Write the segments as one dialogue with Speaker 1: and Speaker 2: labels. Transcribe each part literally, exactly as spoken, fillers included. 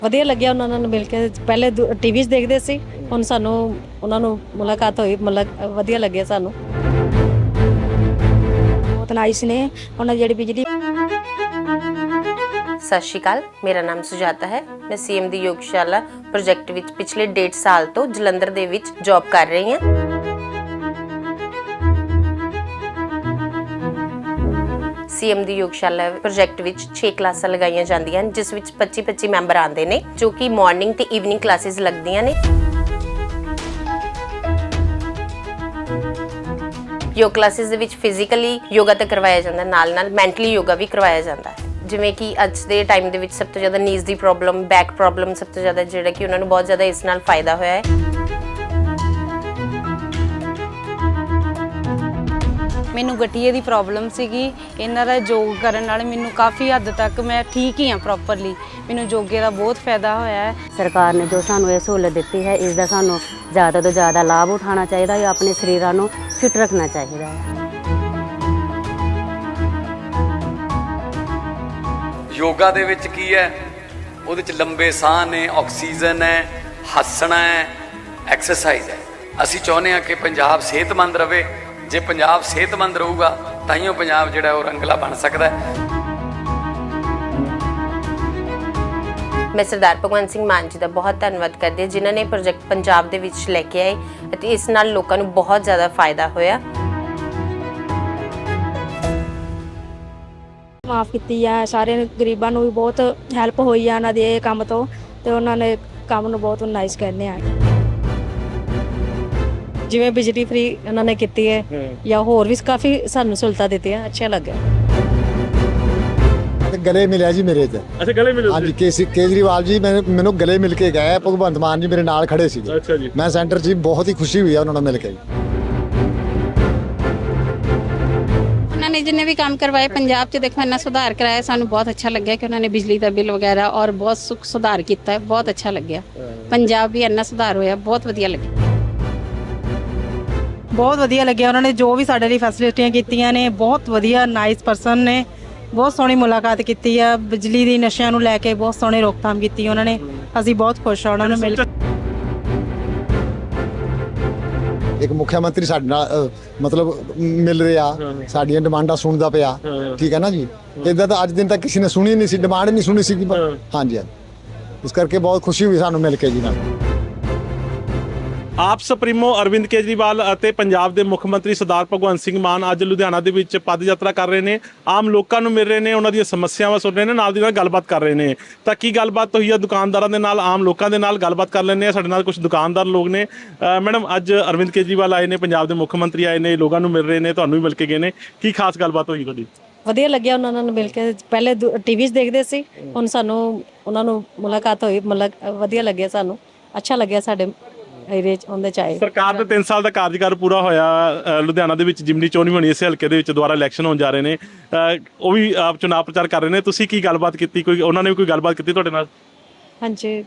Speaker 1: ਵਧੀਆ ਲੱਗਿਆ ਉਹਨਾਂ ਨਾਲ ਮਿਲ ਕੇ। ਪਹਿਲੇ ਟੀਵੀ 'ਚ ਦੇਖਦੇ ਸੀ, ਹੁਣ ਸਾਨੂੰ ਉਹਨਾਂ ਨੂੰ ਮੁਲਾਕਾਤ ਹੋਈ, ਮਤਲਬ ਵਧੀਆ ਲੱਗਿਆ ਸਾਨੂੰ।
Speaker 2: ਬਹੁਤ ਨਾਈਸ ਨੇ ਉਹਨਾਂ ਦੀ ਜਿਹੜੀ ਬਿਜਲੀ।
Speaker 3: ਸਤਿ ਸ਼੍ਰੀ ਅਕਾਲ, ਮੇਰਾ ਨਾਮ ਸੁਜਾਤਾ ਹੈ। ਮੈਂ ਸੀਐਮ ਦੀ ਯੋਗਸ਼ਾਲਾ ਪ੍ਰੋਜੈਕਟ ਵਿੱਚ ਪਿਛਲੇ ਡੇਢ ਸਾਲ ਤੋਂ ਜਲੰਧਰ ਦੇ ਵਿੱਚ ਜੌਬ ਕਰ ਰਹੀ ਹਾਂ। ਸੀਐਮ ਦੀ ਯੋਗਸ਼ਾਲਾ ਪ੍ਰੋਜੈਕਟ ਵਿੱਚ ਛੇ ਕਲਾਸਾਂ ਲਗਾਈਆਂ ਜਾਂਦੀਆਂ ਹਨ, ਜਿਸ ਵਿੱਚ ਪੱਚੀ ਪੱਚੀ ਮੈਂਬਰ ਆਉਂਦੇ ਨੇ, ਜੋ ਕਿ ਮਾਰਨਿੰਗ ਤੇ ਈਵਨਿੰਗ ਕਲਾਸਿਸ ਲੱਗਦੀਆਂ ਨੇ। ਯੋਗਾ ਕਲਾਸਿਸ ਦੇ ਵਿੱਚ ਫਿਜ਼ੀਕਲੀ ਯੋਗਾ ਤਾਂ ਕਰਵਾਇਆ ਜਾਂਦਾ, ਨਾਲ ਨਾਲ ਮੈਂਟਲੀ ਯੋਗਾ ਵੀ ਕਰਵਾਇਆ ਜਾਂਦਾ ਹੈ। ਜਿਵੇਂ ਕਿ ਅੱਜ ਦੇ ਟਾਈਮ ਦੇ ਵਿੱਚ ਸਭ ਤੋਂ ਜ਼ਿਆਦਾ ਨੀਜ਼ ਦੀ ਪ੍ਰੋਬਲਮ, ਬੈਕ ਪ੍ਰੋਬਲਮ ਸਭ ਤੋਂ ਜ਼ਿਆਦਾ ਜਿਹੜਾ ਕਿ ਉਹਨਾਂ ਨੂੰ ਬਹੁਤ ਜ਼ਿਆਦਾ ਇਸ ਨਾਲ ਫਾਇਦਾ ਹੋਇਆ ਹੈ।
Speaker 4: ਮੈਨੂੰ ਗਠੀਏ ਦੀ ਪ੍ਰੋਬਲਮ ਸੀਗੀ, ਇਹਨਾਂ ਦਾ ਯੋਗ ਕਰਨ ਨਾਲ ਮੈਨੂੰ ਕਾਫੀ ਹੱਦ ਤੱਕ ਮੈਂ ਠੀਕ ਹੀ ਹਾਂ ਪ੍ਰੋਪਰਲੀ। ਮੈਨੂੰ ਯੋਗੇ ਦਾ ਬਹੁਤ ਫਾਇਦਾ ਹੋਇਆ ਹੈ।
Speaker 5: ਸਰਕਾਰ ਨੇ ਜੋ ਸਾਨੂੰ ਇਹ ਸਹੂਲਤ ਦਿੱਤੀ ਹੈ, ਇਸ ਦਾ ਸਾਨੂੰ ਜ਼ਿਆਦਾ ਤੋਂ ਜ਼ਿਆਦਾ ਲਾਭ ਉਠਾਉਣਾ ਚਾਹੀਦਾ ਹੈ। ਆਪਣੇ ਸਰੀਰਾਂ ਨੂੰ ਫਿਟ ਰੱਖਣਾ ਚਾਹੀਦਾ ਹੈ।
Speaker 6: ਯੋਗਾ ਦੇ ਵਿੱਚ ਕੀ ਹੈ, ਉਹਦੇ ਚ ਲੰਬੇ ਸਾਹ ਨੇ, ਆਕਸੀਜਨ ਹੈ, ਹੱਸਣਾ ਹੈ, ਐਕਸਰਸਾਈਜ਼ ਹੈ। ਅਸੀਂ ਚਾਹੁੰਦੇ ਹਾਂ ਕਿ ਪੰਜਾਬ ਸਿਹਤਮੰਦ ਰਹੇ। ਜੇ ਪੰਜਾਬ ਸਿਹਤਮੰਦ ਰਹੂਗਾ ਤਾਂ ਹੀ ਉਹ ਪੰਜਾਬ ਜਿਹੜਾ ਉਹ ਰੰਗਲਾ ਬਣ ਸਕਦਾ ਹੈ।
Speaker 3: ਮੈਂ ਸਰਦਾਰ ਭਗਵੰਤ ਸਿੰਘ ਮਾਨ ਜੀ ਦਾ ਬਹੁਤ ਧੰਨਵਾਦ ਕਰਦੀ ਹਾਂ, ਜਿਨ੍ਹਾਂ ਨੇ ਪ੍ਰੋਜੈਕਟ ਪੰਜਾਬ ਦੇ ਵਿੱਚ ਲੈ ਕੇ ਆਏ ਅਤੇ ਇਸ ਨਾਲ ਲੋਕਾਂ ਨੂੰ ਬਹੁਤ ਜ਼ਿਆਦਾ ਫਾਇਦਾ ਹੋਇਆ।
Speaker 2: ਮਾਫ ਕੀਤੀ ਆ, ਸਾਰੇ ਗਰੀਬਾਂ ਨੂੰ ਵੀ ਬਹੁਤ ਹੈਲਪ ਹੋਈ ਆ ਉਹਨਾਂ ਦੇ ਇਹ ਕੰਮ ਤੋਂ, ਤੇ ਉਹਨਾਂ ਨੇ ਕੰਮ ਨੂੰ ਬਹੁਤ ਨਾਈਸ ਕਹਿੰਦੇ ਆ।
Speaker 1: ਜਿਵੇਂ ਬਿਜਲੀ ਫ੍ਰੀ ਉਹਨਾਂ ਨੇ ਕੀਤੀ ਹੈ, ਜਾਂ ਹੋਰ ਵੀ ਕਾਫੀ ਸਾਨੂੰ ਸਹੂਲਤਾਂ ਦਿੱਤੀਆਂ, ਅੱਛਾ ਲੱਗਾ।
Speaker 7: ਗਲੇ ਮਿਲਿਆ ਜੀ ਮੇਰੇ ਤੇ।
Speaker 8: ਅੱਛਾ, ਗਲੇ ਮਿਲੇ?
Speaker 7: ਹਾਂਜੀ, ਕੇਸੀ ਕੇਜਰੀਵਾਲ ਜੀ ਮੈਨੂੰ ਮੈਨੂੰ ਗਲੇ ਮਿਲ ਕੇ ਗਏ। ਭਗਵੰਤ ਮਾਨ ਜੀ ਮੇਰੇ ਨਾਲ ਖੜੇ ਸੀ।
Speaker 8: ਅੱਛਾ ਜੀ।
Speaker 7: ਮੈਂ ਸੈਂਟਰ 'ਚ ਬਹੁਤ ਹੀ ਖੁਸ਼ੀ ਹੋਈ ਆ ਉਹਨਾਂ ਨਾਲ ਮਿਲ ਕੇ।
Speaker 9: ਉਹਨਾਂ ਨੇ ਜਿੰਨੇ ਵੀ ਕੰਮ ਕਰਵਾਏ ਪੰਜਾਬ 'ਚ, ਦੇਖੋ ਇੰਨਾ ਸੁਧਾਰ ਕਰਾਇਆ, ਸਾਨੂੰ ਬਹੁਤ ਅੱਛਾ ਲੱਗਿਆ ਕਿ ਉਹਨਾਂ ਨੇ ਬਿਜਲੀ ਦਾ ਬਿੱਲ ਵਗੈਰਾ ਔਰ ਬਹੁਤ ਸੁਖ ਸੁਧਾਰ ਕੀਤਾ ਹੈ, ਬਹੁਤ ਅੱਛਾ ਲੱਗਿਆ। ਪੰਜਾਬ ਵੀ ਇੰਨਾ ਸੁਧਾਰ ਹੋਇਆ, ਬਹੁਤ ਵਧੀਆ ਲੱਗਿਆ।
Speaker 10: ਬਹੁਤ ਵਧੀਆ ਲੱਗਿਆ ਉਹਨਾਂ ਨੇ ਜੋ ਵੀ ਸਾਡੇ ਲਈ ਫੈਸਿਲਿਟੀਆਂ ਕੀਤੀਆਂ ਨੇ। ਬਹੁਤ ਵਧੀਆ ਨਾਈਸ ਪਰਸਨ ਨੇ, ਬਹੁਤ ਸੋਹਣੀ ਮੁਲਾਕਾਤ ਕੀਤੀ ਆ। ਬਿਜਲੀ ਦੀ ਨਸ਼ਿਆਂ ਨੂੰ ਲੈ ਕੇ ਬਹੁਤ ਸੋਹਣੀ ਰੋਕਥਾਮ ਕੀਤੀ ਉਹਨਾਂ ਨੇ। ਅਸੀਂ ਬਹੁਤ ਖੁਸ਼ ਹਾਂ ਉਹਨਾਂ ਨੂੰ ਮਿਲ ਕੇ।
Speaker 7: ਇੱਕ ਮੁੱਖ ਮੰਤਰੀ ਸਾਡੇ ਨਾਲ ਮਤਲਬ ਮਿਲ ਰਿਹਾ, ਸਾਡੀਆਂ ਡਿਮਾਂਡਾਂ ਸੁਣਦਾ ਪਿਆ। ਠੀਕ ਹੈ ਨਾ ਜੀ। ਇਦਾਂ ਤਾਂ ਅੱਜ ਦਿਨ ਤੱਕ ਕਿਸੇ ਨੇ ਸੁਣੀ ਨਹੀਂ ਸੀ, ਡਿਮਾਂਡ ਨਹੀਂ ਸੁਣੀ ਸੀ। ਹਾਂਜੀ, ਇਸ ਕਰਕੇ ਬਹੁਤ ਖੁਸ਼ੀ ਹੋਈ ਸਾਨੂੰ ਮਿਲ ਕੇ ਜੀ ਨਾਲ।
Speaker 8: ਆਪ ਸੁਪਰੀਮੋ ਅਰਵਿੰਦ ਕੇਜਰੀਵਾਲ ਅਤੇ ਪੰਜਾਬ ਦੇ ਮੁੱਖ ਮੰਤਰੀ ਸਰਦਾਰ ਭਗਵੰਤ ਸਿੰਘ ਮਾਨ ਅੱਜ ਲੁਧਿਆਣਾ ਦੇ ਵਿੱਚ ਪਦ ਯਾਤਰਾ ਕਰ ਰਹੇ ਨੇ। ਆਮ ਲੋਕਾਂ ਨੂੰ ਮਿਲ ਰਹੇ ਨੇ, ਉਹਨਾਂ ਦੀਆਂ ਸਮੱਸਿਆਵਾਂ ਸੁਣ ਰਹੇ ਨੇ, ਨਾਲ ਦੀ ਨਾਲ ਗੱਲਬਾਤ ਕਰ ਰਹੇ ਨੇ। ਤਾਂ ਕੀ ਗੱਲਬਾਤ ਹੋਈ ਆ ਦੁਕਾਨਦਾਰਾਂ ਦੇ ਨਾਲ, ਆਮ ਲੋਕਾਂ ਦੇ ਨਾਲ ਗੱਲਬਾਤ ਕਰ ਲੈਂਦੇ ਆ। ਸਾਡੇ ਨਾਲ ਕੁਝ ਦੁਕਾਨਦਾਰ ਲੋਕ ਨੇ। ਮੈਡਮ, ਅੱਜ ਅਰਵਿੰਦ ਕੇਜਰੀਵਾਲ ਆਏ ਨੇ, ਪੰਜਾਬ ਦੇ ਮੁੱਖ ਮੰਤਰੀ ਆਏ ਨੇ, ਲੋਕਾਂ ਨੂੰ ਮਿਲ ਰਹੇ ਨੇ, ਤੁਹਾਨੂੰ ਵੀ ਮਿਲ ਕੇ ਗਏ ਨੇ। ਕੀ ਖਾਸ ਗੱਲਬਾਤ ਹੋਈ ਤੁਹਾਡੀ?
Speaker 1: ਵਧੀਆ ਲੱਗਿਆ ਉਹਨਾਂ ਨਾਲ ਮਿਲ ਕੇ। ਪਹਿਲੇ ਟੀਵੀ 'ਚ ਦੇਖਦੇ ਸੀ, ਹੁਣ ਸਾਨੂੰ ਉਹਨਾਂ ਨੂੰ ਮੁਲਾਕਾਤ ਹੋਈ, ਮਤਲਬ ਵਧੀਆ ਲੱਗਿਆ ਸਾਨੂੰ, ਅੱਛਾ ਲੱਗਿਆ। ਸਾਡੇ ਏਰੀਏ 'ਚ ਉਹਦੇ 'ਚ ਆਏ। ਸਰਕਾਰ
Speaker 8: ਦੇ ਤਿੰਨ ਸਾਲ ਦਾ ਕਾਰਜਕਾਲ ਪੂਰਾ ਹੋਇਆ। ਲੁਧਿਆਣਾ ਦੇ ਵਿੱਚ ਜਿਮਨੀ ਚੋਣ ਵੀ ਹੋਣੀ, ਇਸੇ ਹਲਕੇ ਦੇ ਵਿੱਚ ਦੁਬਾਰਾ ਇਲੈਕਸ਼ਨ ਹੋਣ ਜਾ ਰਹੇ ਨੇ। ਉਹ ਵੀ ਆਪ ਚੁਣਾਵ ਪ੍ਰਚਾਰ ਕਰ ਰਹੇ ਨੇ। ਤੁਸੀਂ ਕੀ ਗੱਲਬਾਤ ਕੀਤੀ? ਕੋਈ ਉਹਨਾਂ ਨੇ ਵੀ ਕੋਈ ਗੱਲਬਾਤ ਕੀਤੀ ਤੁਹਾਡੇ ਨਾਲ?
Speaker 1: ਹਾਂਜੀ,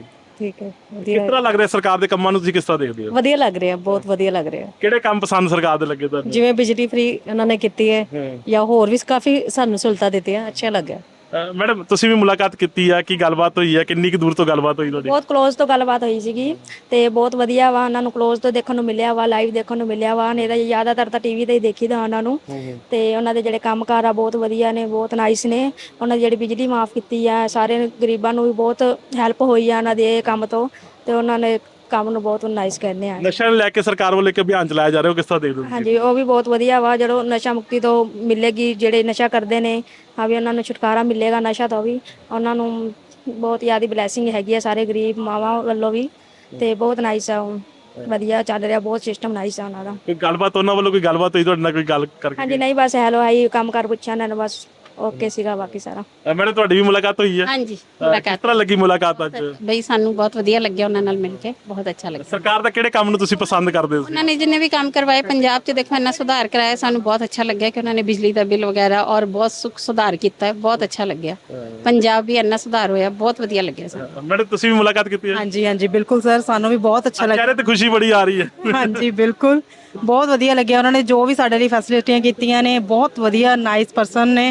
Speaker 1: ਠੀਕ ਹੈ।
Speaker 8: ਕਿਸ ਤਰ੍ਹਾਂ ਲੱਗ ਰਿਹਾ ਸਰਕਾਰ ਦੇ ਕੰਮਾਂ ਨੂੰ, ਤੁਸੀਂ ਕਿਸ ਤਰ੍ਹਾਂ ਦੇਖਦੇ ਹੋ?
Speaker 1: ਵਧੀਆ ਲੱਗ ਰਿਹਾ, ਬਹੁਤ ਵਧੀਆ ਲੱਗ ਰਿਹਾ।
Speaker 8: ਕਿਹੜੇ ਕੰਮ ਪਸੰਦ ਸਰਕਾਰ ਦੇ ਲੱਗੇ ਤੁਹਾਨੂੰ?
Speaker 1: ਜਿਵੇਂ ਬਿਜਲੀ ਫ੍ਰੀ ਉਹਨਾਂ ਨੇ ਕੀਤੀ ਹੈ, ਜਾਂ ਹੋਰ ਵੀ ਕਾਫੀ ਸਾਨੂੰ ਸਹੂਲਤਾਂ ਦਿੱਤੀਆਂ, ਅੱਛਾ ਲੱਗਾ।
Speaker 8: ਮੈਡਮ, ਤੁਸੀਂ ਵੀ ਮੁਲਾਕਾਤ ਕੀਤੀ ਆ, ਕੀ ਗੱਲਬਾਤ ਹੋਈ ਆ? ਕਿੰਨੀ ਕੁ ਦੂਰ ਤੋਂ ਗੱਲਬਾਤ ਹੋਈ ਤੁਹਾਡੀ?
Speaker 2: ਬਹੁਤ ਕਲੋਜ਼ ਤੋਂ ਗੱਲਬਾਤ ਹੋਈ ਸੀਗੀ, ਤੇ ਬਹੁਤ ਵਧੀਆ ਵਾ। ਉਹਨਾਂ ਨੂੰ ਕਲੋਜ਼ ਤੋਂ ਦੇਖਣ ਨੂੰ ਮਿਲਿਆ ਵਾ, ਲਾਈਵ ਦੇਖਣ ਨੂੰ ਮਿਲਿਆ ਵਾ। ਨਹੀਂ ਤਾਂ ਜ਼ਿਆਦਾਤਰ ਤਾਂ ਟੀਵੀ ਤੇ ਹੀ ਦੇਖੀਦਾ ਉਹਨਾਂ ਨੂੰ। ਤੇ ਉਹਨਾਂ ਦੇ ਜਿਹੜੇ ਕੰਮਕਾਰ ਆ ਬਹੁਤ ਵਧੀਆ ਨੇ, ਬਹੁਤ ਨਾਈਸ ਨੇ। ਉਹਨਾਂ ਦੀ ਜਿਹੜੀ ਬਿਜਲੀ ਮਾਫ ਕੀਤੀ ਆ, ਸਾਰੇ ਗਰੀਬਾਂ ਨੂੰ ਵੀ ਬਹੁਤ ਹੈਲਪ ਹੋਈ ਆ ਉਹਨਾਂ ਦੇ ਇਹ ਕੰਮ ਤੋਂ, ਤੇ ਉਹਨਾਂ ਨੇ ਕੰਮ ਨੂੰ ਬਹੁਤ ਨਾਈਸ ਕਹਿੰਦੇ ਆ।
Speaker 8: ਨਸ਼ਾ ਨੂੰ ਲੈ ਕੇ ਸਰਕਾਰ ਵੱਲੋਂ ਇੱਕ ਅਭਿਆਨ ਚਲਾਇਆ ਜਾ ਰਿਹਾ, ਉਹ ਕਿਸ ਤਰ੍ਹਾਂ ਦੇਖਦੇ ਹੋ?
Speaker 2: ਹਾਂਜੀ, ਉਹ ਵੀ ਬਹੁਤ ਵਧੀਆ ਵਾ। ਜਦੋਂ ਨਸ਼ਾ ਮੁਕਤੀ ਤੋਂ ਮਿਲੇਗੀ, ਜਿਹੜੇ ਨਸ਼ਾ ਕਰਦੇ ਨੇ ਹਾਂ ਵੀ ਉਹਨਾਂ ਨੂੰ ਛੁਟਕਾਰਾ ਮਿਲੇਗਾ ਨਸ਼ਾ ਤੋਂ ਵੀ। ਉਹਨਾਂ ਨੂੰ ਬਹੁਤ ਜ਼ਿਆਦਾ ਬਲੈਸਿੰਗ ਹੈਗੀ ਆ ਸਾਰੇ ਗਰੀਬ ਮਾਵਾਂ ਵੱਲੋਂ ਵੀ, ਤੇ ਬਹੁਤ ਨਾਈਸ ਆ, ਵਧੀਆ ਚੱਲ ਰਿਹਾ, ਬਹੁਤ ਸਿਸਟਮ ਨਾਈਸ ਆ ਉਹਨਾਂ ਦਾ।
Speaker 8: ਕੋਈ ਗੱਲਬਾਤ ਉਹਨਾਂ ਵੱਲੋਂ, ਕੋਈ ਗੱਲਬਾਤ ਹੋਈ ਤੁਹਾਡੇ ਨਾਲ, ਕੋਈ ਗੱਲ ਕਰਕੇ?
Speaker 2: ਹਾਂਜੀ, ਨਹੀਂ ਬਸ ਹੈਲੋ ਹਾਈ ਕੰਮ ਕਰ ਪੁੱਛਿਆ ਇਹਨਾਂ ਨੇ, ਬਸ ਓਕੇ ਸੀਗਾ, ਬਾਕੀ ਸਾਰਾ।
Speaker 8: ਮੈਡਮ, ਤੁਹਾਡੀ ਵੀ ਮੁਲਾਕਾਤ ਹੋਈ ਹੈ?
Speaker 9: ਹਾਂਜੀ,
Speaker 8: ਕਿਸ ਤਰ੍ਹਾਂ ਲੱਗੀ ਮੁਲਾਕਾਤ ਅੱਜ?
Speaker 9: ਬਈ ਸਾਨੂੰ ਬਹੁਤ ਵਧੀਆ ਲੱਗਿਆ ਉਹਨਾਂ ਨਾਲ ਮਿਲ ਕੇ, ਬਹੁਤ ਅੱਛਾ ਲੱਗਿਆ।
Speaker 8: ਸਰਕਾਰ ਦਾ ਕਿਹੜੇ ਕੰਮ ਨੂੰ ਤੁਸੀਂ ਪਸੰਦ ਕਰਦੇ ਹੋ?
Speaker 9: ਉਹਨਾਂ ਨੇ ਜਿੰਨੇ ਵੀ ਕੰਮ ਕਰਵਾਏ ਪੰਜਾਬ 'ਚ, ਦੇਖੋ ਇੰਨਾ ਸੁਧਾਰ ਕਰਾਇਆ, ਸਾਨੂੰ ਬਹੁਤ ਅੱਛਾ ਲੱਗਿਆ ਕਿ ਉਹਨਾਂ ਨੇ ਬਿਜਲੀ ਦਾ ਬਿੱਲ ਵਗੈਰਾ ਔਰ ਬਹੁਤ ਸੁਖ ਸੁਧਾਰ ਕੀਤਾ ਹੈ, ਬਹੁਤ ਅੱਛਾ ਲੱਗਿਆ। ਪੰਜਾਬ ਵੀ ਇੰਨਾ ਸੁਧਾਰ ਹੋਇਆ, ਬਹੁਤ ਵਧੀਆ ਲੱਗਿਆ ਸਾਨੂੰ।
Speaker 8: ਮੈਡਮ, ਤੁਸੀਂ ਵੀ ਮੁਲਾਕਾਤ ਕੀਤੀ ਹੈ?
Speaker 10: ਹਾਂਜੀ ਹਾਂਜੀ, ਬਿਲਕੁਲ ਸਰ, ਸਾਨੂੰ ਵੀ ਬਹੁਤ ਅੱਛਾ ਲੱਗਿਆ।
Speaker 8: ਚਿਹਰੇ ਤੇ ਖੁਸ਼ੀ ਬੜੀ ਆ ਰਹੀ ਹੈ।
Speaker 10: ਹਾਂਜੀ, ਬਿਲਕੁਲ ਬਹੁਤ ਵਧੀਆ ਲੱਗਿਆ ਉਹਨਾਂ ਨੇ ਜੋ ਵੀ ਸਾਡੇ ਲਈ ਫੈਸਿਲਿਟੀਆਂ ਕੀਤੀਆਂ ਨੇ। ਬਹੁਤ ਵਧੀਆ ਨਾਈਸ ਪਰਸਨ ਨੇ,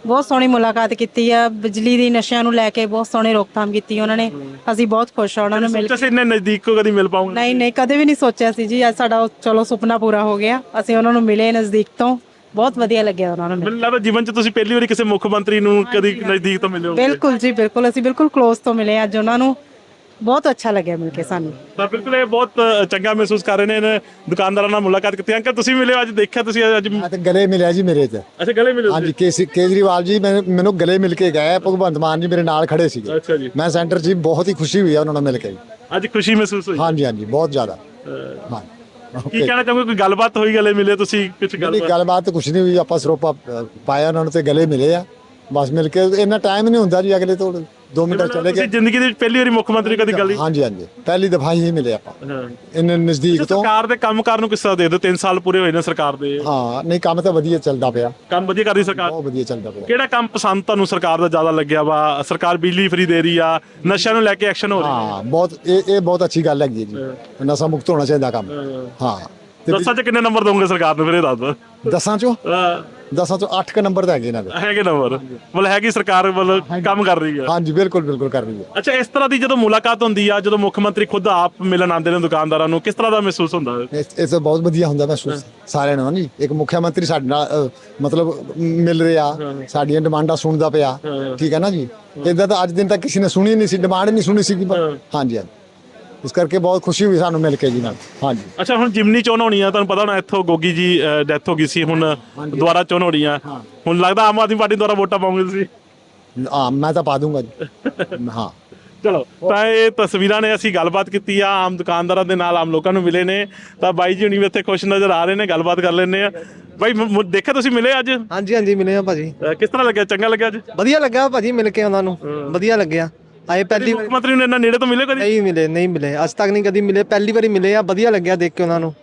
Speaker 10: ਬਹੁਤ ਸੋਹਣੀ ਮੁਲਾਕਾਤ ਕੀਤੀ ਆ। ਬਿਜਲੀ ਦੀ ਨਸ਼ਿਆਂ ਨੂੰ ਲੈ ਕੇ ਬਹੁਤ ਸੋਹਣੀ ਰੋਕਥਾਮ ਕੀਤੀ ਉਹਨਾਂ ਨੇ। ਅਸੀਂ ਬਹੁਤ ਖੁਸ਼ ਆ ਉਹਨਾਂ ਨੂੰ ਮਿਲ
Speaker 8: ਸੋਚਿਆ ਸੀ ਇੰਨੇ ਨਜ਼ਦੀਕ ਕੋ ਕਦੀ ਮਿਲ ਪਾਉਂਗੇ?
Speaker 10: ਨਹੀਂ ਨਹੀਂ ਕਦੇ ਵੀ ਨਹੀਂ ਸੋਚਿਆ ਸੀ ਜੀ। ਅੱਜ ਸਾਡਾ ਉਹ ਚਲੋ ਸੁਪਨਾ ਪੂਰਾ ਹੋ ਗਿਆ। ਅਸੀਂ ਉਹਨਾਂ ਨੂੰ ਮਿਲੇ ਨਜ਼ਦੀਕ ਤੋਂ, ਬਹੁਤ ਵਧੀਆ ਲੱਗਿਆ ਉਹਨਾਂ ਨੂੰ ਮਿਲ
Speaker 8: ਮੈਨੂੰ ਲੱਗਦਾ ਜੀਵਨ 'ਚ ਤੁਸੀਂ ਪਹਿਲੀ ਵਾਰੀ ਕਿਸੇ ਮੁੱਖ ਮੰਤਰੀ ਨੂੰ ਕਦੀ ਨਜ਼ਦੀਕ ਤੋਂ ਮਿਲੇ ਹੋ।
Speaker 10: ਬਿਲਕੁਲ ਜੀ ਬਿਲਕੁਲ, ਅਸੀਂ ਬਿਲਕੁਲ ਕਲੋਜ਼ ਤੋਂ ਮਿਲੇ ਅੱਜ ਉਹਨਾਂ ਨੂੰ। ਬਹੁਤ ਅੱਛਾ ਲੱਗਿਆ ਮਿਲ ਕੇ ਸਾਨੂੰ।
Speaker 8: ਤਾਂ ਬਿਲਕੁਲ ਇਹ ਬਹੁਤ ਚੰਗਾ ਮਹਿਸੂਸ ਕਰ ਰਹੇ ਨੇ ਇਹਨਾਂ ਦੁਕਾਨਦਾਰਾਂ ਨਾਲ ਮੁਲਾਕਾਤ ਕੀਤੀ। ਅੰਕਲ ਤੁਸੀਂ ਮਿਲੇ ਹੋ ਅੱਜ, ਦੇਖਿਆ ਤੁਸੀਂ ਅੱਜ?
Speaker 7: ਮੈਂ ਤੇ ਗਲੇ ਮਿਲਿਆ ਜੀ ਮੇਰੇ ਤੇ।
Speaker 8: ਅੱਛਾ ਗਲੇ ਮਿਲੇ
Speaker 7: ਹਾਂਜੀ ਕੇਸੀ ਕੇਜਰੀਵਾਲ ਜੀ ਮੈਨੂੰ ਮੈਨੂੰ ਗਲੇ ਮਿਲ ਕੇ ਗਏ। ਭਗਵੰਤ ਮਾਨ ਜੀ ਮੇਰੇ ਨਾਲ ਖੜੇ ਸੀਗੇ।
Speaker 8: ਅੱਛਾ ਜੀ।
Speaker 7: ਮੈਂ ਸੈਂਟਰ 'ਚ ਬਹੁਤ ਹੀ ਖੁਸ਼ੀ ਹੋਈ ਆ ਉਹਨਾਂ ਨਾਲ ਮਿਲ ਕੇ।
Speaker 8: ਅੱਜ ਖੁਸ਼ੀ ਮਹਿਸੂਸ ਹੋਈ?
Speaker 7: ਹਾਂਜੀ ਹਾਂਜੀ ਬਹੁਤ ਜ਼ਿਆਦਾ। ਹਾਂ
Speaker 8: ਕੀ ਕਹਿਣਾ ਚਾਹੋਗੇ? ਕੋਈ ਗੱਲਬਾਤ ਹੋਈ, ਗਲੇ ਮਿਲੇ ਤੁਸੀਂ? ਕੁਝ
Speaker 7: ਨਹੀਂ
Speaker 8: ਗੱਲਬਾਤ?
Speaker 7: ਗੱਲਬਾਤ ਕੁਛ ਨਹੀਂ ਹੋਈ। ਆਪਾਂ ਸਰੋਪਾ ਅ, ਪਾਇਆ ਉਹਨਾਂ ਨੂੰ ਤੇ ਗਲੇ ਮਿਲੇ ਆ। ਬਸ ਮਿਲ ਕੇ ਇੰਨਾ ਟਾਈਮ ਨਹੀਂ ਹੁੰਦਾ ਜੀ। ਅਗਲੇ ਤੋਂ ਦੋ ਮਿੰਟ ਚਲੇ
Speaker 8: ਤੁਸੀਂ
Speaker 7: ਗਏ।
Speaker 8: ਜ਼ਿੰਦਗੀ ਦੇ ਵਿੱਚ ਪਹਿਲੀ ਵਾਰੀ ਮੁੱਖ ਮੰਤਰੀ ਕਦੀ ਗੱਲ?
Speaker 7: ਹਾਂਜੀ ਹਾਂਜੀ ਪਹਿਲੀ ਦਫਾ ਹੀ ਮਿਲੇ ਆਪਾਂ
Speaker 8: ਹਾਂ।
Speaker 7: ਇੰਨੇ ਨਜ਼ਦੀਕ ਤੋਂ।
Speaker 8: ਸਰਕਾਰ ਦੇ ਕੰਮਕਾਰ ਨੂੰ ਕਿਸ ਤਰ੍ਹਾਂ ਦੇ ਦਿਓ? ਤਿੰਨ ਸਾਲ ਪੂਰੇ ਹੋਏ ਨੇ ਸਰਕਾਰ ਦੇ।
Speaker 7: ਹਾਂ ਨਹੀਂ ਕੰਮ ਤਾਂ ਵਧੀਆ ਚੱਲਦਾ ਪਿਆ।
Speaker 8: ਕੰਮ ਵਧੀਆ ਕਰਦੀ ਸਰਕਾਰ?
Speaker 7: ਬਹੁਤ ਵਧੀਆ ਚੱਲਦਾ ਪਿਆ।
Speaker 8: ਕਿਹੜਾ ਕੰਮ ਪਸੰਦ ਤੁਹਾਨੂੰ ਸਰਕਾਰ ਦਾ ਜ਼ਿਆਦਾ ਲੱਗਿਆ ਵਾ? ਸਰਕਾਰ ਬਿਜਲੀ ਫਰੀ ਦੇ ਰਹੀ ਆ, ਨਸ਼ਿਆਂ ਨੂੰ ਲੈ ਕੇ ਐਕਸ਼ਨ ਹੋ ਰਿਹਾ।
Speaker 7: ਹਾਂ ਬਹੁਤ ਇਹ ਇਹ ਬਹੁਤ ਅੱਛੀ ਗੱਲ ਹੈਗੀ ਹੈ ਜੀ। ਨਸ਼ਾ ਮੁਕਤ ਹੋਣਾ ਚਾਹੀਦਾ ਕੰਮ। ਹਾਂ ਤੇ
Speaker 8: ਦਸਾਂ 'ਚ ਕਿੰਨੇ ਨੰਬਰ ਦੋਗੇ ਸਰਕਾਰ ਨੂੰ ਫਿਰ ਇਹ ਦੱਸ ਦਿਓ?
Speaker 7: ਦਸਾਂ ਚੋਂ
Speaker 8: ਅਹ
Speaker 7: ਦਸਾਂ ਚੋਂ ਅੱਠ ਕ ਨੰਬਰ ਤਾਂ ਹੈਗੇ ਇਹਨਾਂ ਦੇ।
Speaker 8: ਹੈਗੇ ਨੰਬਰ? ਮਤਲਬ ਹੈਗੀ ਸਰਕਾਰ ਮਤਲਬ ਕੰਮ ਕਰ ਰਹੀ ਆ।
Speaker 7: ਹਾਂਜੀ ਬਿਲਕੁਲ ਬਿਲਕੁਲ ਕਰ ਰਹੀ ਹੈ।
Speaker 8: ਅੱਛਾ ਇਸ ਤਰ੍ਹਾਂ ਦੀ ਜਦੋਂ ਮੁਲਾਕਾਤ ਹੁੰਦੀ ਆ, ਜਦੋਂ ਮੁੱਖ ਮੰਤਰੀ ਖੁਦ ਆਪ ਮਿਲਣ ਆਉਂਦੇ ਨੇ ਦੁਕਾਨਦਾਰਾਂ ਨੂੰ, ਕਿਸ ਤਰ੍ਹਾਂ ਦਾ ਮਹਿਸੂਸ ਹੁੰਦਾ ਹੈ?
Speaker 7: ਇਹ ਇਹ ਤਾਂ ਬਹੁਤ ਵਧੀਆ ਹੁੰਦਾ ਮਹਿਸੂਸ ਸਾਰਿਆਂ ਨੂੰ ਜੀ। ਇੱਕ ਮੁੱਖ ਮੰਤਰੀ ਸਾਡੇ ਨਾਲ ਅ, ਮਤਲਬ ਮਿਲ ਰਿਹਾ, ਸਾਡੀਆਂ ਡਿਮਾਂਡਾਂ ਸੁਣਦਾ ਪਿਆ। ਠੀਕ ਹੈ ਨਾ ਜੀ। ਇਦਾਂ ਤਾਂ ਅੱਜ ਦਿਨ ਤੱਕ ਕਿਸੇ ਨੇ ਸੁਣੀ ਨਹੀਂ ਸੀ, ਡਿਮਾਂਡ ਨਹੀਂ ਸੁਣੀ ਸੀ। ਹਾਂਜੀ ਹਾਂਜੀ ਇਸ ਕਰਕੇ ਬਹੁਤ ਖੁਸ਼ੀ ਹੋਈ ਸਾਨੂੰ ਮਿਲ ਕੇ ਜੀ ਨਾਲ। ਹਾਂਜੀ
Speaker 8: ਅੱਛਾ ਹੁਣ ਜਿਮਨੀ ਚੋਣ ਹੋਣੀ ਆ, ਤੁਹਾਨੂੰ ਪਤਾ ਹੋਣਾ ਇੱਥੋਂ ਗੋਗੀ ਜੀ ਡੈਥ ਹੋ ਗਈ ਸੀ, ਹੁਣ ਦੁਬਾਰਾ ਚੋਣ ਹੋਣੀ ਆ। ਹੁਣ ਲੱਗਦਾ ਆਮ ਆਦਮੀ ਪਾਰਟੀ ਦੁਆਰਾ ਵੋਟਾਂ ਪਾਉਂਗੇ ਤੁਸੀਂ?
Speaker 7: ਹਾਂ ਮੈਂ ਤਾਂ ਪਾ ਦੂੰਗਾ ਜੀ। ਹਾਂ
Speaker 8: ਚਲੋ ਤਾਂ ਇਹ ਤਸਵੀਰਾਂ ਨੇ, ਅਸੀਂ ਗੱਲਬਾਤ ਕੀਤੀ ਆ ਆਮ ਦੁਕਾਨਦਾਰਾਂ ਦੇ ਨਾਲ, ਆਮ ਲੋਕਾਂ ਨੂੰ ਮਿਲੇ ਨੇ। ਤਾਂ ਬਾਈ ਜੀ ਹੁਣੀ ਵੀ ਇੱਥੇ ਖੁਸ਼ ਨਜ਼ਰ ਆ ਰਹੇ ਨੇ, ਗੱਲਬਾਤ ਕਰ ਲੈਂਦੇ ਆ। ਬਾਈ ਮ- ਦੇਖਿਆ ਤੁਸੀਂ ਮਿਲੇ ਅੱਜ?
Speaker 11: ਹਾਂਜੀ ਹਾਂਜੀ ਮਿਲੇ ਆ ਭਾਜੀ।
Speaker 8: ਅਹ ਕਿਸ ਤਰ੍ਹਾਂ ਲੱਗਿਆ? ਚੰਗਾ ਲੱਗਿਆ ਅੱਜ?
Speaker 11: ਵਧੀਆ ਲੱਗਾ ਭਾਜੀ ਮਿਲ ਕੇ ਉਹਨਾਂ ਨੂੰ। ਵਧੀਆ ਲੱਗਿਆ। ਆਏ ਪਹਿਲੀ
Speaker 8: ਮੁੱਖ ਮੰਤਰੀ ਨੂੰ ਇੰਨਾ ਨੇੜੇ ਤੋਂ ਮਿਲੇ ਕਦੀ?
Speaker 11: ਨਹੀਂ ਮਿਲੇ ਨਹੀਂ ਮਿਲੇ ਅੱਜ ਤੱਕ ਨਹੀਂ ਕਦੀ ਮਿਲੇ। ਪਹਿਲੀ ਵਾਰੀ ਮਿਲੇ ਆ। ਵਧੀਆ ਲੱਗਿਆ ਦੇਖ ਕੇ ਉਹਨਾਂ ਨੂੰ।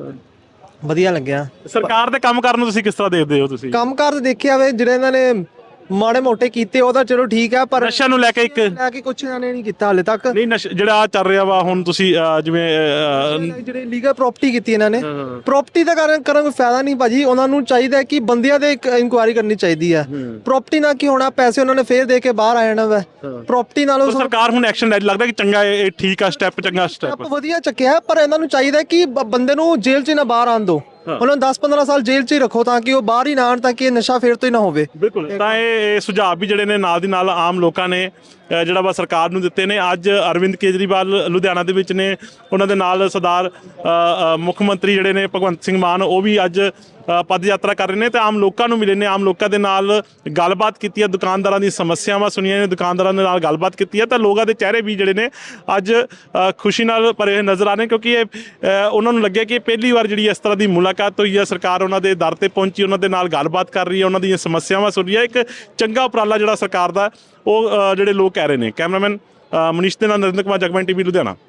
Speaker 11: ਵਧੀਆ ਲੱਗਿਆ।
Speaker 8: ਸਰਕਾਰ ਦੇ ਕੰਮ ਕਰਨ ਨੂੰ ਤੁਸੀਂ ਕਿਸ ਤਰ੍ਹਾਂ ਦੇਖਦੇ ਹੋ? ਤੁਸੀਂ
Speaker 11: ਕੰਮ ਕਾਰ ਦੇਖਿਆ ਵੇ ਜਿਹੜੇ ਇਹਨਾਂ ਨੇ ਮਾੜੇ ਮੋਟੇ ਕੀਤੇ ਉਹ ਤਾਂ ਚਲੋ ਠੀਕ ਆ, ਪਰ
Speaker 8: ਨਸ਼ਿਆਂ ਨੂੰ ਲੈ ਕੇ ਇੱਕ
Speaker 11: ਲੈ ਕੇ ਕੁਛ ਇਹਨਾਂ ਨੇ ਨਹੀਂ ਕੀਤਾ ਹਾਲੇ ਤੱਕ।
Speaker 8: ਨਹੀਂ ਨਸ਼ਾ ਜਿਹੜਾ ਆਹ ਚੱਲ ਰਿਹਾ ਵਾ ਹੁਣ, ਤੁਸੀਂ ਅਹ, ਜਿਵੇਂ ਅਹ,
Speaker 11: ਜਿਹੜੇ ਲੀਗਲ ਪ੍ਰਾਪਰਟੀ ਕੀਤੀ ਇਹਨਾਂ ਨੇ, ਪ੍ਰਾਪਰਟੀ ਦਾ ਕਾਰਨ ਕਰਨ ਕੋਈ ਫਾਇਦਾ ਨਹੀਂ ਭਾਜੀ। ਉਹਨਾਂ ਨੂੰ ਚਾਹੀਦਾ ਕਿ ਬੰਦਿਆਂ ਦੇ ਇਨਕੁਆਇਰੀ ਕਰਨੀ ਚਾਹੀਦੀ ਹੈ। ਪ੍ਰਾਪਰਟੀ ਨਾਲ ਕੀ ਹੋਣਾ, ਪੈਸੇ ਉਹਨਾਂ ਨੇ ਫੇਰ ਦੇ ਕੇ ਬਾਹਰ ਆ ਜਾਣਾ ਵਾ। ਪ੍ਰਾਪਰਟੀ ਨਾਲੋਂ
Speaker 8: ਤਾਂ ਸਰਕਾਰ ਹੁਣ ਐਕਸ਼ਨ ਲੈ, ਲੱਗਦਾ ਕਿ ਚੰਗਾ ਇਹ ਇਹ ਠੀਕ ਆ ਸਟੈਪ, ਚੰਗਾ ਸਟੈਪ।
Speaker 11: ਸਟੈਪ ਵਧੀਆ ਚੱਕਿਆ, ਪਰ ਇਹਨਾਂ ਨੂੰ ਚਾਹੀਦਾ ਕਿ ਬ- ਬੰਦੇ ਨੂੰ ਜੇਲ੍ਹ 'ਚ ਨਾ ਬਾਹਰ ਆਣ ਦਿਓ। ਉਹਨਾਂ ਨੂੰ ਦਸ ਪੰਦਰਾਂ ਸਾਲ ਜੇਲ੍ਹ 'ਚ ਹੀ ਰੱਖੋ ਤਾਂ ਕਿ ਉਹ ਬਾਹਰ ਹੀ ਨਾ ਆਣ, ਤਾਂ ਕਿ ਇਹ ਨਸ਼ਾ ਫੇਰ ਤੋਂ ਹੀ ਨਾ ਹੋਵੇ।
Speaker 8: ਬਿਲਕੁਲ। ਤਾਂ ਇਹ ਇਹ ਸੁਝਾਅ ਵੀ ਜਿਹੜੇ ਨੇ ਨਾਲ ਦੀ ਨਾਲ ਆਮ ਲੋਕਾਂ ਨੇ ਅਹ, ਜਿਹੜਾ ਵਾ ਸਰਕਾਰ ਨੂੰ ਦਿੱਤੇ ਨੇ। ਅੱਜ ਅਰਵਿੰਦ ਕੇਜਰੀਵਾਲ ਲੁਧਿਆਣਾ ਦੇ ਵਿੱਚ ਨੇ, ਉਹਨਾਂ ਦੇ ਨਾਲ ਸਰਦਾਰ ਅਹ, ਅਹ, ਮੁੱਖ ਮੰਤਰੀ ਜਿਹੜੇ ਨੇ ਭਗਵੰਤ ਸਿੰਘ ਮਾਨ, ਉਹ ਵੀ ਅੱਜ ਅ, ਪਦ ਯਾਤਰਾ ਕਰ ਰਹੇ ਨੇ ਤੇ ਆਮ ਲੋਕਾਂ ਨੂੰ ਮਿਲੇ ਨੇ, ਆਮ ਲੋਕਾਂ ਦੇ ਨਾਲ ਗੱਲਬਾਤ ਕੀਤੀ ਹੈ, ਦੁਕਾਨਦਾਰਾਂ ਦੀ ਸਮੱਸਿਆਵਾਂ ਸੁਣੀਆਂ ਨੇ, ਦੁਕਾਨਦਾਰਾਂ ਦੇ ਨਾਲ ਗੱਲਬਾਤ ਕੀਤੀ ਹੈ। ਤਾਂ ਲੋਕਾਂ ਦੇ ਚਿਹਰੇ ਵੀ ਜਿਹੜੇ ਨੇ ਅੱਜ ਅ, ਖੁਸ਼ੀ ਨਾਲ ਭਰੇ ਨਜ਼ਰ ਆ ਰਹੇ, ਕਿਉਂਕਿ ਇਹ ਅ, ਉਹਨਾਂ ਨੂੰ ਲੱਗਿਆ ਕਿ ਇਹ ਪਹਿਲੀ ਵਾਰ ਜਿਹੜੀ ਇਸ ਤਰ੍ਹਾਂ ਦੀ ਮੁਲਾਕਾਤ ਹੋਈ ਹੈ, ਸਰਕਾਰ ਉਹਨਾਂ ਦੇ ਦਰ ਤੇ ਪਹੁੰਚੀ, ਉਹਨਾਂ ਦੇ ਨਾਲ ਗੱਲਬਾਤ ਕਰ ਰਹੀ ਹੈ, ਉਹਨਾਂ ਦੀਆਂ ਸਮੱਸਿਆਵਾਂ ਸੁਣ ਰਹੀ ਹੈ। ਇੱਕ ਚੰਗਾ ਉਪਰਾਲਾ ਜਿਹੜਾ ਸਰਕਾਰ ਦਾ, ਉਹ ਅ, ਜਿਹੜੇ ਲੋਕ ਕਹਿ ਰਹੇ ਨੇ। ਕੈਮਰਾਮੈਨ ਅ, ਮਨੀਸ਼ ਦੇ ਨਾਲ ਨਰਿੰਦਰ ਕੁਮਾਰ, ਜਗਬਾਣੀ ਟੀਵੀ ਲੁਧਿਆਣਾ।